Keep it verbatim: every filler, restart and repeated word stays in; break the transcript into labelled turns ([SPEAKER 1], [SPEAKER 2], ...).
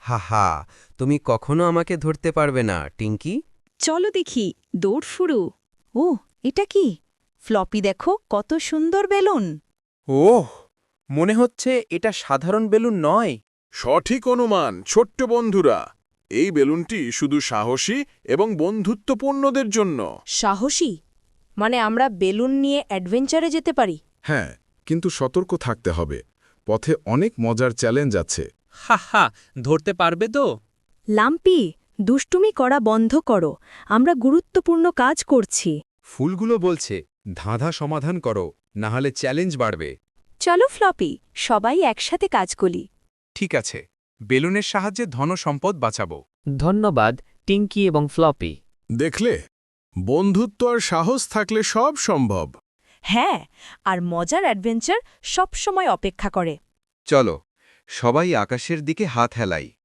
[SPEAKER 1] হা হা তুমি কখনো আমাকে ধরতে পারবে না টিঙ্কি।
[SPEAKER 2] চলো দেখি দৌড় শুরু। ও এটা কি? ফ্লপি দেখো কত সুন্দর বেলুন।
[SPEAKER 3] ওহ, মনে হচ্ছে এটা সাধারণ বেলুন নয়।
[SPEAKER 4] সঠিক অনুমান ছোট্ট বন্ধুরা, এই বেলুনটি শুধু সাহসী এবং বন্ধুত্বপূর্ণদের জন্য।
[SPEAKER 5] সাহসী মানে আমরা বেলুন নিয়ে অ্যাডভেঞ্চারে যেতে পারি?
[SPEAKER 6] হ্যাঁ, কিন্তু সতর্ক থাকতে হবে। পথে অনেক মজার চ্যালেঞ্জ আছে।
[SPEAKER 7] হা হা ধরতে পারবে তো?
[SPEAKER 2] লাম্পি, দুষ্টুমি করা বন্ধ করো, আমরা গুরুত্বপূর্ণ কাজ করছি।
[SPEAKER 8] ফুলগুলো বলছে ধাঁধা সমাধান করো, না হলে চ্যালেঞ্জ বাড়বে।
[SPEAKER 2] চলো ফ্লপি, সবাই একসাথে কাজ করি।
[SPEAKER 8] ঠিক আছে, বেলুনের সাহায্যে ধনসম্পদ বাঁচাবো।
[SPEAKER 9] ধন্যবাদ টিঙ্কি এবং ফ্লপি।
[SPEAKER 4] দেখলে, বন্ধুত্ব আর সাহস থাকলে সব সম্ভব।
[SPEAKER 5] হ্যাঁ, আর মজার অ্যাডভেঞ্চার সব সময় অপেক্ষা করে।
[SPEAKER 1] চলো সবাই আকাশের দিকে হাত হেলাই।